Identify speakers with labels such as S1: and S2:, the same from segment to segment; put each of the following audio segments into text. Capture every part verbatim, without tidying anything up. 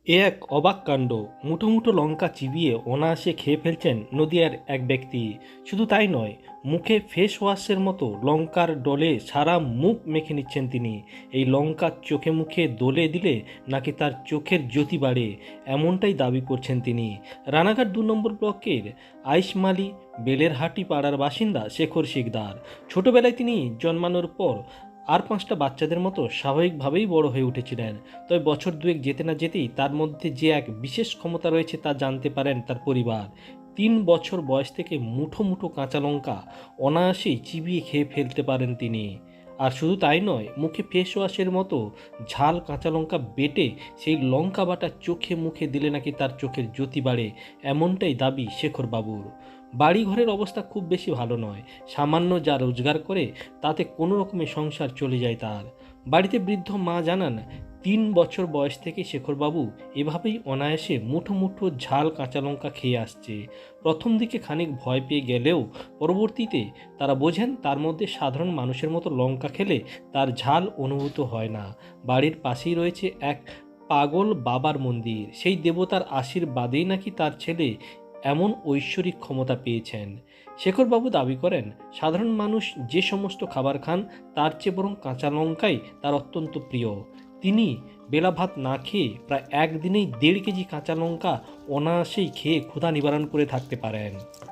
S1: এ এক অবাক কাণ্ড। মুঠো মুঠো লঙ্কা চিবিয়ে অনায়াসে খেয়ে ফেলছেন নদিয়ার এক ব্যক্তি। শুধু তাই নয়, মুখে ফেস ওয়াশের মতো লঙ্কার ডলে সারা মুখ মেখে নিচ্ছেন তিনি। এই লঙ্কা চোখে মুখে দলে দিলে নাকি তার চোখের জ্যোতি বাড়ে, এমনটাই দাবি করছেন তিনি। রানাঘাট দু নম্বর ব্লকের আইসমালি বেলেরহাটি পাড়ার বাসিন্দা শেখর শিকদার। ছোটবেলায় তিনি জন্মানোর পর আর পাঁচটা বাচ্চাদের মতো স্বাভাবিকভাবেই বড় হয়ে উঠেছিলেন। তবে বছর দুয়েক যেতে না যেতেই তার মধ্যে যে এক বিশেষ ক্ষমতা রয়েছে তা জানতে পারেন তার পরিবার। তিন বছর বয়স থেকে মুঠো মুঠো কাঁচা লঙ্কা অনায়াসেই চিবিয়ে খেয়ে ফেলতে পারেন তিনি। আর শুধু তাই নয়, মুখে ফেস ওয়াশের মতো ঝাল কাঁচা লঙ্কা বেটে সেই লঙ্কা বাটা চোখে মুখে দিলে নাকি তার চোখের জ্যোতি বাড়ে, এমনটাই দাবি শেখর বাবুর। বাড়ি ঘরের অবস্থা খুব বেশি ভালো নয়। সামান্য যা রোজগার করে তাতে কোনো রকমে সংসার চলে যায় তার। বাড়িতে বৃদ্ধ মা জানান, তিন বছর বয়স থেকে শেখরবাবু এভাবেই অনায়াসে মুঠো মুঠো ঝাল কাঁচা লঙ্কা খেয়ে আসছে। প্রথম দিকে খানিক ভয় পেয়ে গেলেও পরবর্তীতে তারা বোঝেন তার মধ্যে সাধারণ মানুষের মতো লঙ্কা খেলে তার ঝাল অনুভূত হয় না। বাড়ির পাশেই রয়েছে এক পাগল বাবার মন্দির। সেই দেবতার আশীর্বাদেই নাকি তার ছেলে এমন ঐশ্বরিক ক্ষমতা পেয়েছেন। শেখরবাবু দাবি করেন, সাধারণ মানুষ যে সমস্ত খাবার খান তার চেয়ে বরং কাঁচা লঙ্কাই তার অত্যন্ত প্রিয়। তিনি বেলা ভাত না খেয়ে প্রায় একদিনেই দেড় কেজি কাঁচা লঙ্কা অনায়াসেই খেয়ে ক্ষুধা নিবারণ করে থাকতে পারেন।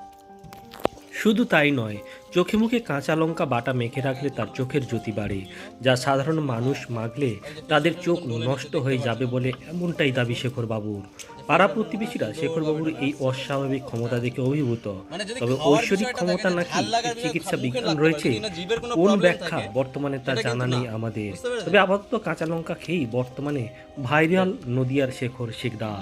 S1: শুধু তাই নয়, চোখে মুখে কাঁচা লঙ্কা বাটা মেখে রাখলে তার চোখের জ্যোতি বাড়ে, যা সাধারণ মানুষ মাখলে তাদের চোখ নষ্ট হয়ে যাবে বলে এমনটাই দাবি শেখরবাবুর। পাড়া প্রতিবেশীরা শেখরবাবুর এই অস্বাভাবিক ক্ষমতা দেখে অভিভূত। তবে ঐশ্বরিক ক্ষমতা নাকি চিকিৎসা বিজ্ঞান রয়েছে, কোন ব্যাখ্যা বর্তমানে তা জানা নেই আমাদের। তবে আপাতত কাঁচা লঙ্কা খেয়েই বর্তমানে ভাইরাল নদিয়ার শেখর শিকদার।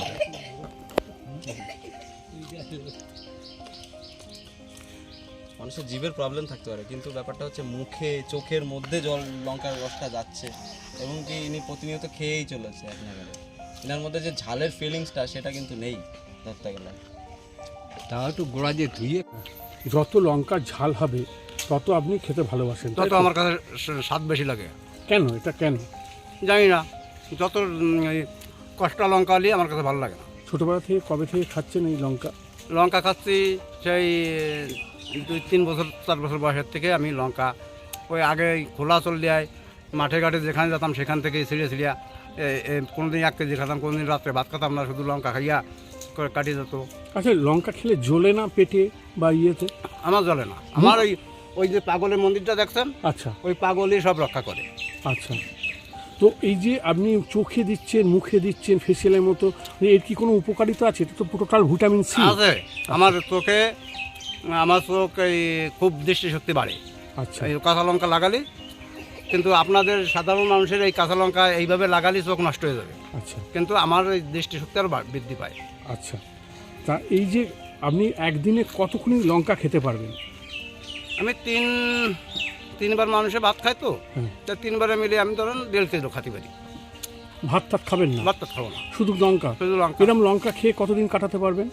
S2: মানুষের জিভের প্রবলেম থাকতে পারে, কিন্তু ব্যাপারটা হচ্ছে মুখে চোখের মধ্যে জল লঙ্কার রসটা যাচ্ছে এবং কি ইনি প্রতিনিয়ত খেয়েই চলেছে এক নাগারে। এনার মধ্যে যে ঝালের ফিলিংসটা সেটা কিন্তু নেই ধরতে গেলে।
S3: তা একটু গোড়া দিয়ে ধুয়ে
S4: যত লঙ্কা ঝাল হবে তত আপনি খেতে ভালোবাসেন, তাই
S3: তত
S4: তো?
S3: আমার কাছে স্বাদ বেশি লাগে।
S4: কেন এটা কেন
S3: জানি না, যত উম, এই কষ্টা লঙ্কা হলে আমার কাছে ভালো লাগে না।
S4: ছোটবেলা থেকে কবে থেকে খাচ্ছেন এই লঙ্কা?
S3: লঙ্কা খাচ্ছি সেই দুই তিন বছর চার বছর বয়সের থেকে আমি লঙ্কা ওই আগে খোলা চল দেয় মাঠে ঘাটে যেখানে যেতাম সেখান থেকে ছিঁড়ে ছিঁড়িয়া কোনো দিন এক কেজি খেতাম, কোনো দিন রাত্রে ভাত খেতাম না, শুধু লঙ্কা খাইয়া করে কাটিয়ে যেত।
S4: আচ্ছা, লঙ্কা খেলে জ্বলে না পেটে বা ইয়েতে?
S3: আমার জ্বলে না। আমার ওই ওই যে পাগলের মন্দিরটা দেখছেন,
S4: আচ্ছা
S3: ওই পাগলই সব রক্ষা করে।
S4: আচ্ছা, তো এই যে আপনি চোখে দিচ্ছেন মুখে দিচ্ছেন ফেসিয়ালের মতো, এর কি কোনো উপকারিতা আছে? এটা তো টোটাল ভিটামিন সি
S3: আছে। আমার চোখে আমার চোখ এই খুব দৃষ্টিশক্তি বাড়ে।
S4: আচ্ছা,
S3: এই কাঁচা লঙ্কা লাগালে, কিন্তু আপনাদের সাধারণ মানুষের এই কাঁচা লঙ্কা এইভাবে লাগালে চোখ নষ্ট হয়ে যাবে,
S4: আচ্ছা,
S3: কিন্তু আমার এই দৃষ্টিশক্তি আরও বৃদ্ধি পায়।
S4: আচ্ছা। তা এই যে আপনি একদিনে কতক্ষণ লঙ্কা খেতে পারবেন?
S3: আমি তিন তিনবার মানুষে ভাত খাই তো,
S4: হুম।
S3: তা তিনবারে মিলে আমি ধরুন দেড় কেজি খাতে পারি।
S4: ভাত টাত খাবেন না?
S3: ভাত তো খাবো না,
S4: শুধু লঙ্কা?
S3: শুধু লঙ্কা।
S4: এরকম লঙ্কা খেয়ে কতদিন কাটাতে পারবেন?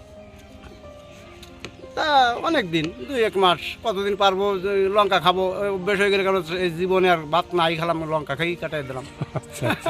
S3: তা অনেক দিন, দুই এক মাস, কতদিন পারবো। যে লঙ্কা খাবো অভ্যেস হয়ে গেলে, কারণ এই জীবনে আর ভাত নাই খেলাম, লঙ্কা খেয়েই কাটাই দিলাম।
S4: আচ্ছা, আচ্ছা।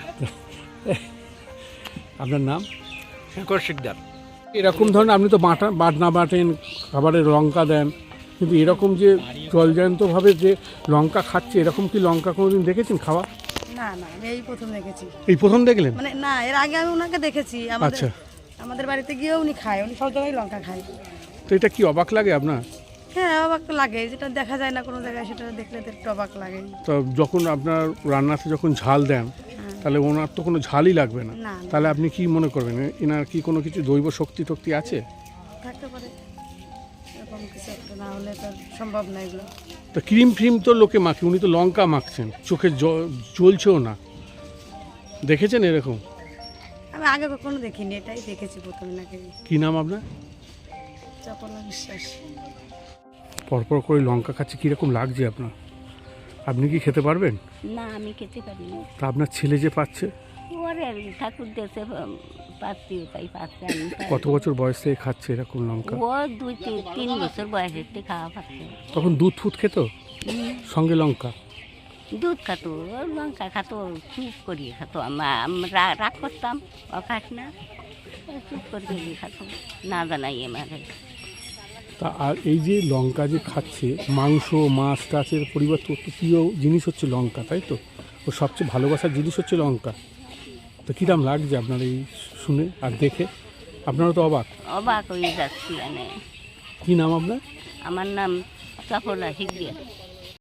S4: আপনার নাম?
S3: শেখর শিকদার।
S4: এরকম ধরনের আপনি তো বাটা বাটনা বাটেন, খাবারে লঙ্কা দেন, কিন্তু এরকম যে জলজান্তভাবে যে লঙ্কা খাচ্ছে, এরকম কি লঙ্কা কোনোদিন দেখেছেন খাওয়া?
S5: না না, আমি এই প্রথম দেখেছি।
S4: এই প্রথম দেখলেন?
S5: মানে না, এর আগে আমি ওনাকে দেখেছি। আমাদের
S4: আচ্ছা,
S5: আমাদের বাড়িতে গিয়েও উনি খায়, উনি সব জায়গায় লঙ্কা খায়।
S4: তো এটা কি অবাক লাগে আপনার?
S5: হ্যাঁ, অবাক তো লাগে, যেটা দেখা যায় না কোনো জায়গায়, সেটা দেখলে তো একটু অবাক লাগে।
S4: তো যখন আপনার রান্নাতে যখন ঝাল দেন, তাহলে ওনার তো কোনো ঝালই লাগবে না,
S5: না, না।
S4: তাহলে আপনি কি মনে করবেন এনার কি কোনো কিছু দৈব শক্তি টক্তি আছে?
S5: থাকতে পারে, এরকম কিছু একটা না হলে তো সম্ভব না এগুলো।
S4: তো ক্রিম ফ্রিম তো লোকে মাখে, উনি তো লঙ্কা মাখছেন, চোখে জ- জ্বলছেও না, দেখেছেন এরকম?
S5: আমি আগে কখনো দেখিনি, এটাই দেখেছি প্রথমে নাকি।
S4: কি নাম আপনার?
S5: চপলা বিশ্বাস।
S4: পরপর করে লঙ্কা খাচ্ছে, কীরকম লাগছে আপনার? আপনি কি খেতে পারবেন?
S6: না, আমি খেতে পারি না।
S4: তা আপনার ছেলে যে পাচ্ছে,
S6: ওরে ঠাকুর দেশে পাচ্ছি, তাই পাচ্ছে। আমি পারি
S4: কত
S6: না।
S4: বছর বয়স থেকে খাচ্ছে এরকম লঙ্কা?
S6: ও দুই তিন তিন বছর বয়সের থেকে খাওয়া পাচ্ছে।
S4: তখন দুধ ফুট খেত
S6: হুম,
S4: সঙ্গে লঙ্কা?
S6: দুধ খাতো ও লঙ্কা খাতো, চুপ করিয়ে খাতো। আমা- আমরা রাগ করতাম, ও খাস না, ও চুপ করিয়ে খাতো, না জানাই আমারে।
S4: তা আর এই যে লঙ্কা যে খাচ্ছে, মাংস মাছ টাচের পরিবর্তে ওর তো প্রিয় জিনিস হচ্ছে লঙ্কা, তাই তো? ও সবচেয়ে ভালোবাসার জিনিস হচ্ছে লঙ্কা। তো কীরকম লাগছে আপনার এই শুনে আর দেখে? আপনারা তো অবাক।
S6: অবাক হয়ে যাচ্ছি মানে।
S4: কী নাম আপনার?
S6: আমার নাম চপলা শিগগির।